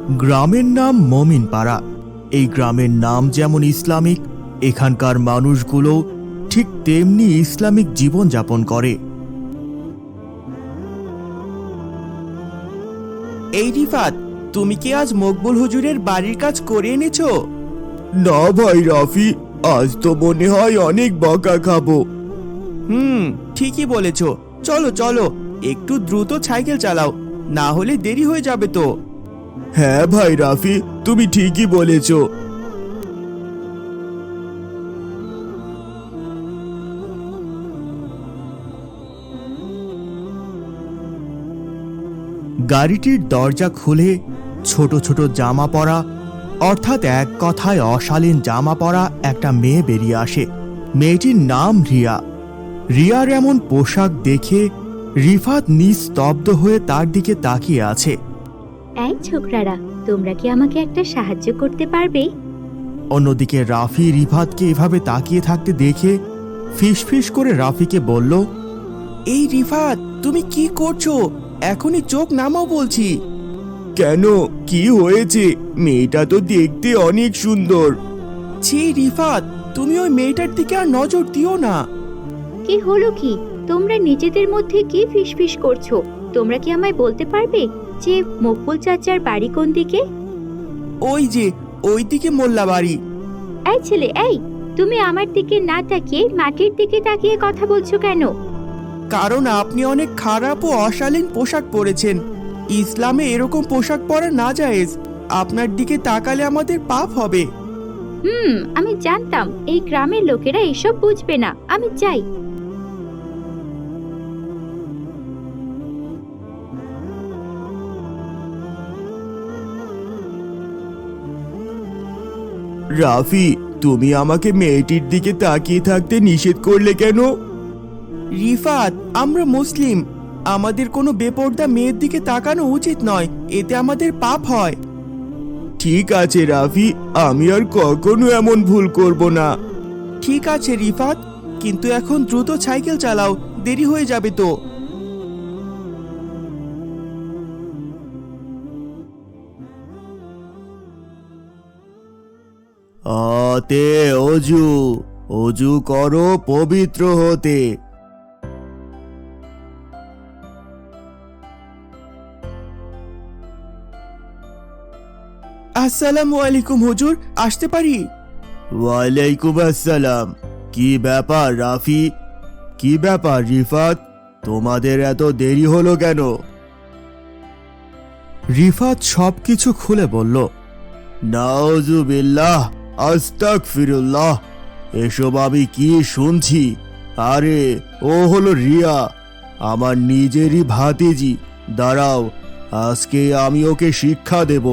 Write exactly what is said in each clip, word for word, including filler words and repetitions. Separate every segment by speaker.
Speaker 1: গ্রামের নাম মমিনপাড়া। এই গ্রামের নাম যেমন ইসলামিক, এখানকার মানুষগুলো ঠিক তেমনি ইসলামিক জীবন যাপন করে।
Speaker 2: এই রিফাত, তুমি কি আজ মকবুল হুজুরের বাড়ির কাজ করে এনেছো?
Speaker 1: না ভাই রাফি, আজ তো মনে হয় অনেক বকা খাবো।
Speaker 2: হুম, ঠিকই বলেছো। চলো চলো, একটু দ্রুত সাইকেল চালাও, না হলে দেরি হয়ে যাবে তো।
Speaker 1: হ্যাঁ ভাই রাফি, তুমি ঠিকই বলেছ। গাড়িটির দরজা খুলে ছোট ছোট জামা পরা, অর্থাৎ এক কথায় অশালীন জামা পরা একটা মেয়ে বেরিয়ে আসে। মেয়েটির নাম রিয়া। রিয়ার এমন পোশাক দেখে রিফাত নিস্তব্ধ হয়ে তার দিকে তাকিয়ে আছে।
Speaker 3: এই ছোকরারা, তোমরা কি আমাকে একটা সাহায্য করতে পারবে?
Speaker 1: অন্যদিকে রাফি রিফাতকে এভাবে তাকিয়ে থাকতে দেখে ফিসফিস করে রাফিকে বলল,
Speaker 2: এই রিফাত, তুমি কি করছো? এখনই চোখ নামাও বলছি।
Speaker 1: কেন, কি হয়েছে? মেয়েটা তো দেখতে অনেক সুন্দর।
Speaker 2: ছি রিফাত, তুমি ওই মেয়েটার দিকে আর নজর দিও না।
Speaker 3: কি হলো কি? তোমরা নিজেদের মধ্যে কি ফিসফিস করছো? তোমরা কি আমায় বলতে পারবে যে মকবুল চাচার বাড়ি কোন দিকে?
Speaker 2: ওই যে ওই দিকে মোল্লা বাড়ি।
Speaker 3: এই ছেলে, এই তুমি আমার দিকে না তাকিয়ে মাটির দিকে তাকিয়ে কথা বলছো কেন?
Speaker 2: কারণ আপনি অনেক খারাপ ও অশালীন পোশাক পরেছেন। ইসলামে এরকম পোশাক পরা না জায়েজ। আপনার দিকে তাকালে আমাদের পাপ হবে।
Speaker 3: হুম, আমি জানতাম এই গ্রামের লোকেরা এসব বুঝবে না। আমি যাই।
Speaker 1: রাফি, তুমি আমাকে মেয়েটির দিকে তাকিয়ে থাকতে নিষেধ করলে কেন?
Speaker 2: রিফাত, আমরা মুসলিম, আমাদের কোনো বেপর্দা মেয়ের দিকে তাকানো উচিত নয়, এতে আমাদের পাপ হয়।
Speaker 1: ঠিক আছে রাফি, আমি আর কখনো এমন ভুল করব না।
Speaker 2: ঠিক আছে রিফাত, কিন্তু এখন দ্রুত সাইকেল চালাও, দেরি হয়ে যাবে তো।
Speaker 1: আতে অজু, অজু করো পবিত্র হতে।
Speaker 2: আসসালামু আলাইকুম হুজুর, আসতে পারি?
Speaker 1: ওয়ালাইকুম আসসালাম। কি ব্যাপার রাফি? কি ব্যাপার রিফাত? তোমাদের এত দেরি হলো কেন? রিফাত সবকিছু খুলে বলল। নাউজুবিল্লাহ, আস্তাগফিরুল্লাহ, এসব আমি কি শুনছি? আরে ও হলো রিয়া, আমার নিজেরই ভাতিজি। দাঁড়াও, আজকে আমি ওকে শিক্ষা দেব।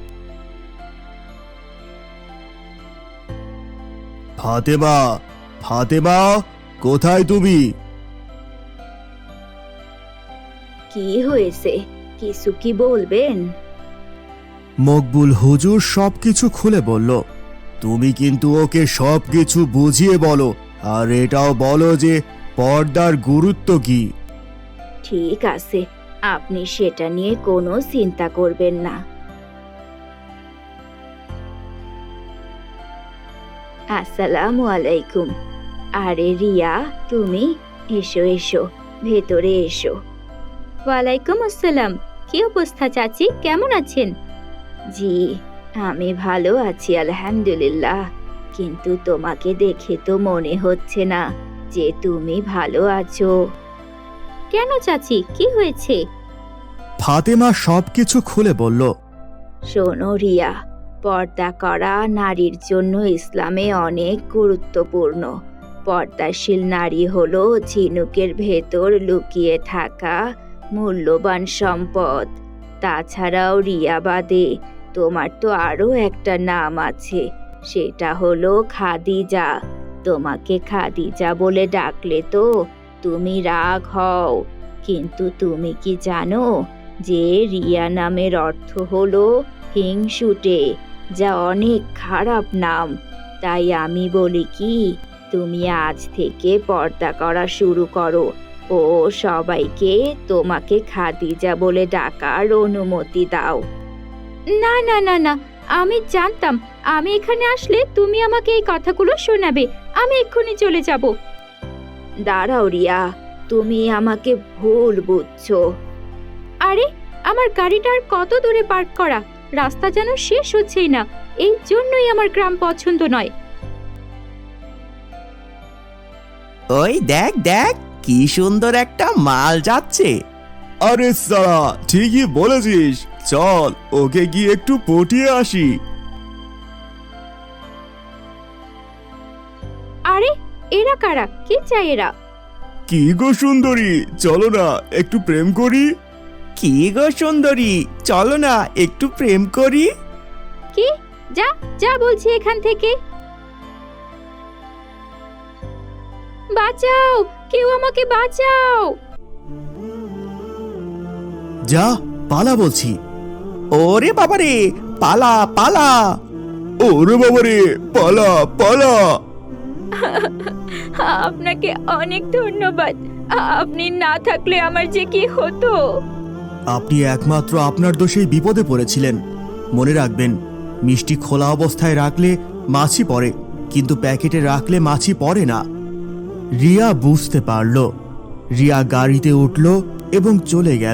Speaker 1: ফাতেমা, ফাতেমা, কোথায় তুমি?
Speaker 3: কি হয়েছে? কিছু কি বলবেন?
Speaker 1: মকবুল হুজুর সবকিছু খুলে বলল। তুমি কিন্তু ওকে সবকিছু বুঝিয়ে বলো, আর এটাও বলো যে পর্দার গুরুত্ব কি।
Speaker 3: ঠিক আছে, আপনি সেটা নিয়ে কোনো চিন্তা করবেন না। আসসালামু আলাইকুম। আরে রিয়া, তুমি এসো এসো, ভেতরে এসো। ওয়ালাইকুম আসসালাম। কি অবস্থা চাচি, কেমন আছেন? জি, আমি ভালো আছি আলহামদুলিল্লাহ, কিন্তু তোমাকে দেখে তো মনে হচ্ছে না যে তুমি ভালো আছো। কেন চাচি, কি হয়েছে?
Speaker 1: ফাতেমা সবকিছু খুলে বলল।
Speaker 3: শোনো রিয়া, পর্দা করা নারীর জন্য ইসলামে অনেক গুরুত্বপূর্ণ। পর্দাশীল নারী হলো ঝিনুকের ভেতর লুকিয়ে থাকা মূল্যবান সম্পদ। তাছাড়াও রিয়া বাদে তোমার তো আরো একটা নাম আছে, সেটা হলো খাদিজা। তোমাকে খাদিজা বলে ডাকলে তো তুমি রাগ হও, কিন্তু তুমি কি জানো যে রিয়া নামের অর্থ হলো হিংসুটে, যা অনেক খারাপ নাম। তাই আমি বলি কি, তুমি আজ থেকে পর্দা করা শুরু করো ও সবাইকে তোমাকে খাদিজা বলে ডাকার অনুমতি দাও। না না না না, আমি জানতাম আমি এখানে আসলে তুমি আমাকে এই কথাগুলো শোনাবে। আমি এক্ষুনি চলে যাব। দাঁড়াও রিয়া, তুমি আমাকে ভুল বুঝছো। আরে, আমার গাড়িটা আর কত দূরে পার্ক করা, রাস্তা যেন শেষ হচ্ছেই না। এই জন্যই আমার গ্রাম পছন্দ নয়।
Speaker 2: ওই দেখ দেখ, কি সুন্দর একটা মাল যাচ্ছে।
Speaker 1: আরে সারা, ঠিকই বলেছিস, চল ওকে গিয়ে একটু পটিয়ে আসি।
Speaker 3: আরে, এরা কারা? কি চাই এরা?
Speaker 1: কি গো সুন্দরী, চলো না একটু প্রেম করি।
Speaker 2: কি গো সুন্দরী, চলো না একটু প্রেম করি।
Speaker 3: কি? যা যা বলছি এখান থেকে। বাঁচাও, কেউ আমাকে বাঁচাও।
Speaker 1: যা, পালা বলছি।
Speaker 2: ওরে বাবারে, পালা পালা।
Speaker 1: ওরে বাবারে, পালা পালা।
Speaker 3: আপনাকে অনেক ধন্যবাদ। আপনি না থাকলে আমার যে কি হতো।
Speaker 1: আপনি একমাত্র আপনার দোষেই বিপদে পড়েছিলেন। মনে রাখবেন, মিষ্টি খোলা অবস্থায় রাখলে মাছি পড়ে, কিন্তু প্যাকেটে রাখলে মাছি পড়ে না। রিয়া বুঝতে পারল। রিয়া গাড়িতে উঠল এবং চলে গেল।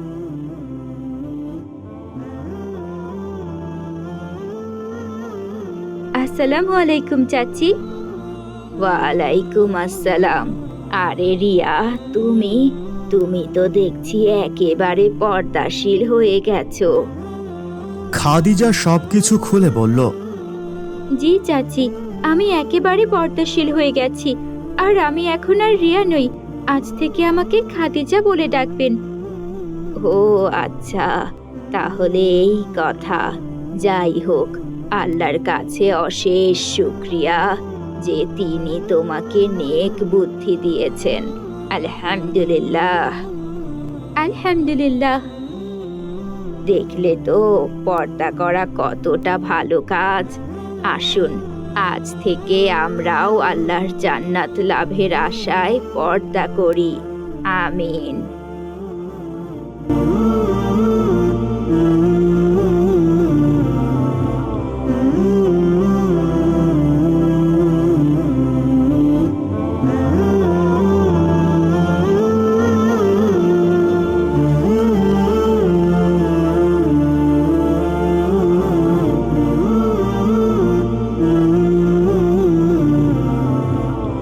Speaker 3: আসসালামু আলাইকুম চাচি। ওয়ালাইকুম আসসালাম। আরে রিয়া, তুমি তুমি তো দেখছি একেবারে পর্দাশীল হয়ে গেছো।
Speaker 1: খাদিজা সবকিছু খুলে বলল।
Speaker 3: জি চাচি, আমি একেবারে পর্দাশীল হয়ে গেছি। আর আমি এখন আর রিয়া নই, আজ থেকে আমাকে খাদিজা বলে ডাকবেন। ও আচ্ছা, তাহলে এই কথা। যাই হোক, আল্লাহর কাছে অশেষ শুকরিয়া যে তিনি তোমাকে নেক বুদ্ধি দিয়েছেন। আলহামদুলিল্লাহ আলহামদুলিল্লাহ। দেখলে তো পর্দা করা কতটা ভালো কাজ। আসুন, আজ থেকে আমরাও আল্লাহর জান্নাত লাভের আশায় পর্দা করি। আমিন।